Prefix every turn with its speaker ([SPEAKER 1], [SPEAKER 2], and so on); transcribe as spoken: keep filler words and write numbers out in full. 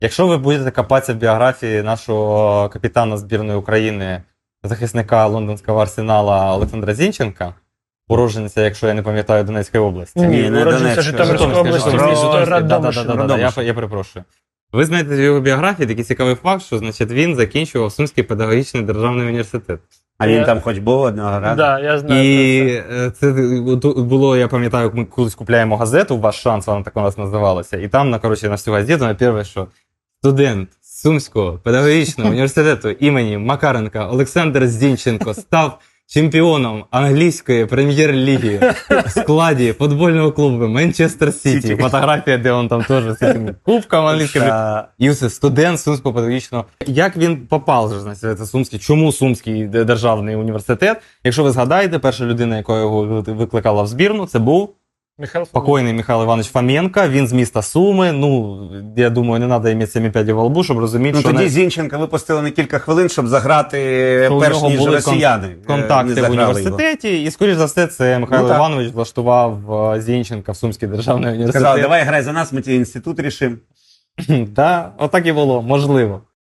[SPEAKER 1] Якщо ви будете копатися в біографії нашого капітана збірної України, захисника лондонського Арсенала Олександра Зінченка, уродженця, якщо я не пам'ятаю, Донецької області.
[SPEAKER 2] Ні, не
[SPEAKER 3] уродженця Житомирської області, місто Радомишль.
[SPEAKER 1] Да-да-да, я, я перепрошую. Ви знаєте в його біографії такий цікавий факт, що значить, він закінчував Сумський педагогічний державний університет.
[SPEAKER 2] А він
[SPEAKER 3] Я-
[SPEAKER 2] там хоч був одного разу?
[SPEAKER 3] Да, я знаю.
[SPEAKER 1] І е, це було, я пам'ятаю, ми колись купляємо газету, «Ваш шанс», вона так у нас називалася, і там, на, коротше, на всю газету, на перше, що студент Сумського педагогічного університету імені Макаренка Олександр Зінченко став чемпіоном англійської прем'єр-ліги в складі футбольного клубу Манчестер Сіті. Фотографія, де він там теж з цим кубком англійським.
[SPEAKER 2] Та-
[SPEAKER 1] І все, студент Сумського педагогічного. Як він попав же, значить, це Сумський? Чому Сумський державний університет? Якщо ви згадаєте, перша людина, яка його викликала в збірну, це був
[SPEAKER 3] Михайло
[SPEAKER 1] покойний Михайло Іванович Фоменко. Він з міста Суми. Ну, я думаю, не треба мати сімі п'ядів во лбу, щоб розуміти,
[SPEAKER 2] Ну
[SPEAKER 1] що
[SPEAKER 2] тоді
[SPEAKER 1] не...
[SPEAKER 2] Зінченка випустили на кілька хвилин, щоб заграти
[SPEAKER 1] що у
[SPEAKER 2] перш
[SPEAKER 1] нього
[SPEAKER 2] ніж
[SPEAKER 1] були
[SPEAKER 2] росіяни.
[SPEAKER 1] кон-
[SPEAKER 2] е,
[SPEAKER 1] контакти
[SPEAKER 2] не
[SPEAKER 1] в
[SPEAKER 2] заграли його.
[SPEAKER 1] університеті. І, скоріш за все, це Михайло
[SPEAKER 2] Ну, так.
[SPEAKER 1] Іванович влаштував е, Зінченка в Сумський державний університет.
[SPEAKER 2] Сказали, давай грай за нас, ми ті інститут рішимо.
[SPEAKER 1] Так, отак і було, можливо.